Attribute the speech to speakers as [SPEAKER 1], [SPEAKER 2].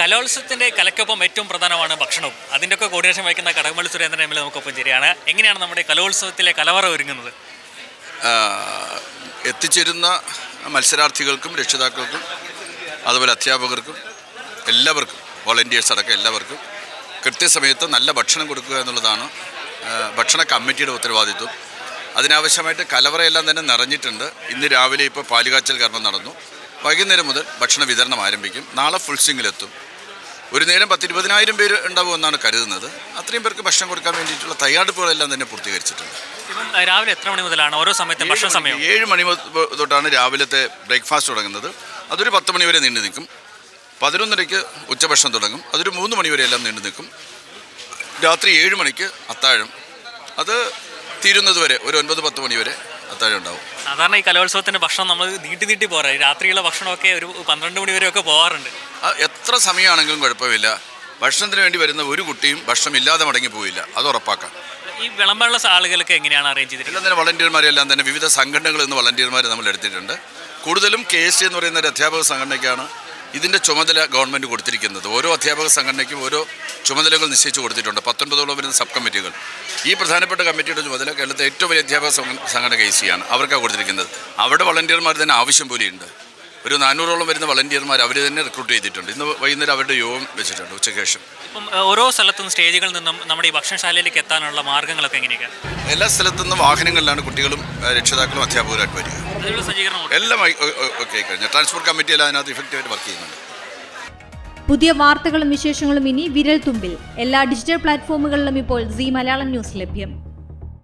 [SPEAKER 1] കലോത്സവത്തിൻ്റെ കലയ്ക്കൊപ്പം ഏറ്റവും പ്രധാനമാണ് ഭക്ഷണവും. അതിൻ്റെയൊക്കെ കോർഡിനേഷൻ വഹിക്കുന്ന Kadakampally Surendran M L A നമുക്കൊപ്പം ശരിയാണ്. എങ്ങനെയാണ് നമ്മുടെ കലോത്സവത്തിലെ കലവറ ഒരുങ്ങുന്നത്?
[SPEAKER 2] എത്തിച്ചേരുന്ന മത്സരാർത്ഥികൾക്കും രക്ഷിതാക്കൾക്കും അതുപോലെ അധ്യാപകർക്കും എല്ലാവർക്കും വോളണ്ടിയേഴ്സ് അടക്കം എല്ലാവർക്കും കൃത്യസമയത്ത് നല്ല ഭക്ഷണം കൊടുക്കുക എന്നുള്ളതാണ് ഭക്ഷണ കമ്മിറ്റിയുടെ ഉത്തരവാദിത്വം. അതിനാവശ്യമായിട്ട് കലവറയെല്ലാം തന്നെ നിറഞ്ഞിട്ടുണ്ട്. ഇന്ന് രാവിലെ ഇപ്പോൾ പാലുകാച്ചൽ കർമ്മം നടന്നു. വൈകുന്നേരം മുതൽ ഭക്ഷണ വിതരണം ആരംഭിക്കും. നാളെ ഫുൾ സ്വിങ്ങിലെത്തും. ഒരു നേരം 10-20,000 പേര് ഉണ്ടാവുമെന്നാണ് കരുതുന്നത്. അത്രയും പേർക്ക് ഭക്ഷണം കൊടുക്കാൻ വേണ്ടിയിട്ടുള്ള തയ്യാറെടുപ്പുകളെല്ലാം തന്നെ പൂർത്തീകരിച്ചിട്ടുണ്ട്.
[SPEAKER 1] ഇപ്പം രാവിലെ എത്ര മണി മുതലാണ് ഓരോ സമയത്തും ഭക്ഷണ സമയം?
[SPEAKER 2] 7 മണി തൊട്ടാണ് രാവിലത്തെ ബ്രേക്ക്ഫാസ്റ്റ് തുടങ്ങുന്നത്. അതൊരു 10 മണി വരെ നീണ്ടു നിൽക്കും. 11:30 ഉച്ചഭക്ഷണം തുടങ്ങും. അതൊരു 3 മണി വരെ എല്ലാം നീണ്ടു നിൽക്കും. രാത്രി 7 മണിക്ക് അത്താഴം. അത് തീരുന്നത് വരെ ഒരു 9-10 മണി വരെ അത്താഴം ഉണ്ടാവും.
[SPEAKER 1] സാധാരണ ഈ കലോത്സവത്തിൻ്റെ ഭക്ഷണം നമ്മൾ നീട്ടി പോരാ. രാത്രിയുള്ള ഭക്ഷണമൊക്കെ ഒരു 12 മണി വരെയൊക്കെ പോകാറുണ്ട്.
[SPEAKER 2] എത്ര സമയമാണെങ്കിലും കുഴപ്പമില്ല. ഭക്ഷണത്തിന് വേണ്ടി വരുന്ന ഒരു കുട്ടിയും ഭക്ഷണമില്ലാതെ മടങ്ങി പോയില്ല. അത് ഉറപ്പാക്കാം.
[SPEAKER 1] ഈ വിളമ്പാനുള്ള ആളുകൾക്ക് എങ്ങനെയാണ് അറേഞ്ച് ചെയ്തിട്ടുള്ളത്?
[SPEAKER 2] എല്ലാം തന്നെ വളണ്ടിയർമാരെല്ലാം തന്നെ വിവിധ സംഘടനകളിൽ നിന്ന് വളണ്ടിയർമാരെ നമ്മൾ എടുത്തിട്ടുണ്ട്. കൂടുതലും KST എന്ന് പറയുന്ന ഒരു അധ്യാപക സംഘടനയ്ക്കാണ് ഇതിൻ്റെ ചുമതല ഗവൺമെൻറ് കൊടുത്തിരിക്കുന്നത്. ഓരോ അധ്യാപക സംഘടനയ്ക്കും ഓരോ ചുമതലകൾ നിശ്ചയിച്ച് കൊടുത്തിട്ടുണ്ട്. 19ഓളം വരുന്ന സബ് കമ്മിറ്റികൾ. ഈ പ്രധാനപ്പെട്ട കമ്മിറ്റിയുടെ ചുമതല കേരളത്തിലെ ഏറ്റവും വലിയ അധ്യാപക സംഘടന KST ആണ്. അവർക്കാണ് കൊടുത്തിരിക്കുന്നത്. അവിടെ വളണ്ടിയർമാർ തന്നെ ആവശ്യം പോലെയുണ്ട്. ഒരു 400ഓളം വരുന്ന വളണ്ടിയർമാർ അവർ തന്നെ റിക്രൂട്ട് ചെയ്തിട്ടുണ്ട്. ഇന്ന് വൈകുന്നേരം അവരുടെ യോഗം വെച്ചിട്ടുണ്ട് ഉച്ചയ്ക്ക് ശേഷം.
[SPEAKER 1] ഇപ്പം ഓരോ സ്ഥലത്തും സ്റ്റേജുകളിൽ നിന്നും നമ്മുടെ ഈ ഭക്ഷണശാലയിലേക്ക് എത്താനുള്ള മാർഗ്ഗങ്ങളൊക്കെ എങ്ങനെയൊക്കെയാണ്?
[SPEAKER 2] എല്ലാ സ്ഥലത്തു നിന്നും വാഹനങ്ങളിലാണ് കുട്ടികളും രക്ഷിതാക്കളും അധ്യാപകരായിട്ട് വരിക. എല്ലാം ഓക്കെ കഴിഞ്ഞു. ട്രാൻസ്പോർട്ട് കമ്മിറ്റി എല്ലാം അതിനകത്ത് ഇഫക്റ്റീവായിട്ട് വർക്ക് ചെയ്യുന്നുണ്ട്.
[SPEAKER 3] പുതിയ വാർത്തകളും വിശേഷങ്ങളും ഇനി വിരൽ തുമ്പിൽ. എല്ലാ ഡിജിറ്റൽ പ്ലാറ്റ്ഫോമുകളിലും ഇപ്പോൾ സീ മലയാളം ന്യൂസ് ലഭ്യം.